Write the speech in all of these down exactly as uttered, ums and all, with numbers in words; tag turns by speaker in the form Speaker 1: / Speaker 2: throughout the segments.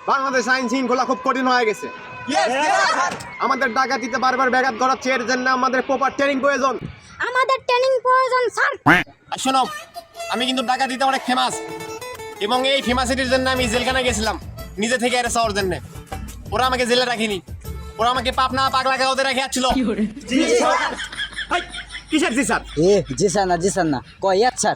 Speaker 1: বাংলাদেশ আইন শৃঙ্খলা খুব কঠিন হয়ে গেছে। আমাদের ডাকাতিতে বারবার ব্যাঘাত ঘটাচ্ছে, এর জন্য আমাদের প্রপার ট্রেনিং প্রয়োজন।
Speaker 2: আমাদের ট্রেনিং প্রয়োজন স্যার।
Speaker 1: আর শোনো, আমি কিন্তু ডাকাতিতে অনেক ফেমাস, এবং এই ফেমাসিটির জন্য আমি জেলখানায় গেছিলাম নিজে থেকে এর চাওয়ার জন্য। ওরা আমাকে জেলে রাখিনি, ওরা আমাকে পাপনা পাগলা গাঁওতে রেখে আসছিল। কিসের জি স্যার?
Speaker 3: এ জি স্যার না, জি স্যার না, কয় ইয়ার স্যার।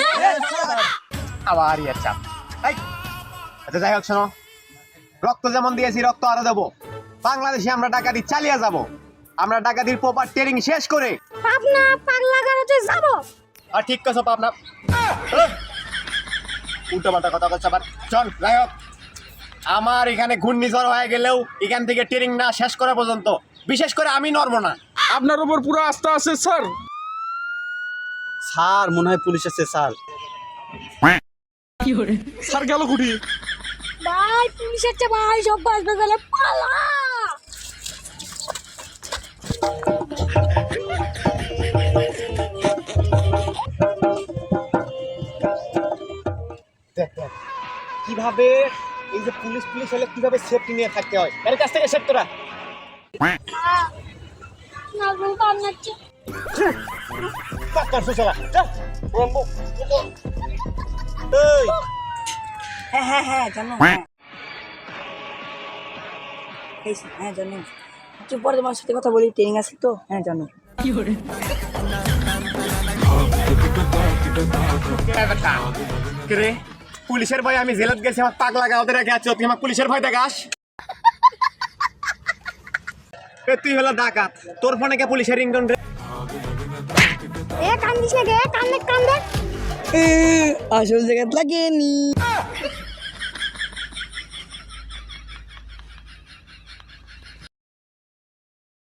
Speaker 1: আবার ইয়ার চাপ। আচ্ছা যাই হোক, শোনো, রক্ত যেমন দিয়েছি রক্ত আরো দেবো। বাংলাদেশে আমরা ডাকাতি চালিয়ে যাব। আমরা ডাকাতির প্রপার ট্রেনিং শেষ করে
Speaker 2: পাবনা পাগলা গারোতে যাব।
Speaker 1: আর ঠিক কথা পাবনা উল্টো পাল্টা কথা বলছে আবার। চল যাই হোক, আমার এখানে ঘূর্ণিঝড় হয়ে গেলেও এখান থেকে ট্রেনিং না শেষ করা পর্যন্ত বিশেষ করে আমি নড়বো না।
Speaker 4: আপনার উপর পুরো আস্থা আছে স্যার।
Speaker 3: স্যার মনে হয় পুলিশ আছে স্যার।
Speaker 4: স্যার গেল কুটি?
Speaker 2: ভাই পুলিশ আছে ভাই, সব বাঁচবে গেলে পালা।
Speaker 1: কিভাবে এই যে পুলিশ পুলিশ হলে কিভাবে সেফটি নিয়ে থাকতে হয়, এর কাছ থেকে সেফ তোরা।
Speaker 2: না গো কান্নাচ্ছে।
Speaker 1: পাক্কার সুশলা চল রম্বো। এই
Speaker 5: হ্যাঁ হ্যাঁ হ্যাঁ জানো, হ্যাঁ এই সে, হ্যাঁ জানো। একটু পরে তোমার সাথে কথা বলি, ট্রেনিং আছে তো। হ্যাঁ জানো।
Speaker 1: রে পুলিশের ভয় আমি জেলত গেছি, আমার পাগলা গাঁওতে রেখে আছো, তুই আমার পুলিশের ভয় দেখাস? এ তুই হলো ডাকাত, তোর ফোনে কে পুলিশের রিংটোন রে?
Speaker 2: এ কান্দিস না গে, কান্দে কান্দে।
Speaker 5: আসল জায়গা লাগেনি।